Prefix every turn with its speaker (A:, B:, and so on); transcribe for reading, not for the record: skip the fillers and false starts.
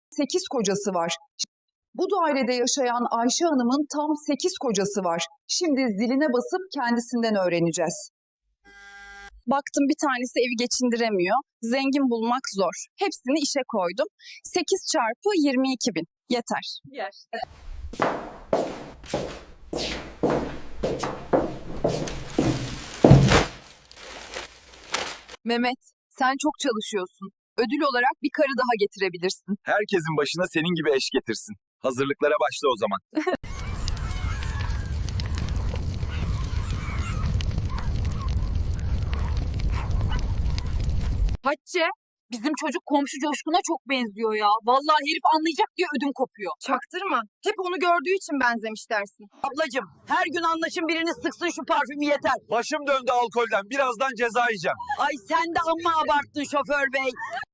A: 8 kocası var. Bu dairede yaşayan Ayşe Hanım'ın tam 8 kocası var. Şimdi ziline basıp kendisinden öğreneceğiz.
B: Baktım bir tanesi evi geçindiremiyor. Zengin bulmak zor. Hepsini işe koydum. 8 çarpı 22 bin. Yeter.
C: Yer.
A: Mehmet, sen çok çalışıyorsun. Ödül olarak bir karı daha getirebilirsin.
D: Herkesin başına senin gibi eş getirsin. Hazırlıklara başla o zaman.
C: Hatice, bizim çocuk komşu Coşkun'a çok benziyor ya. Vallahi herif anlayacak diye ödüm kopuyor.
E: Çaktırma. Hep onu gördüğü için benzemiş dersin.
F: Ablacığım her gün anlaşın birini sıksın şu parfümü yeter.
D: Başım döndü alkolden. Birazdan ceza yiyeceğim.
F: Ay sen de amma abarttın şoför bey.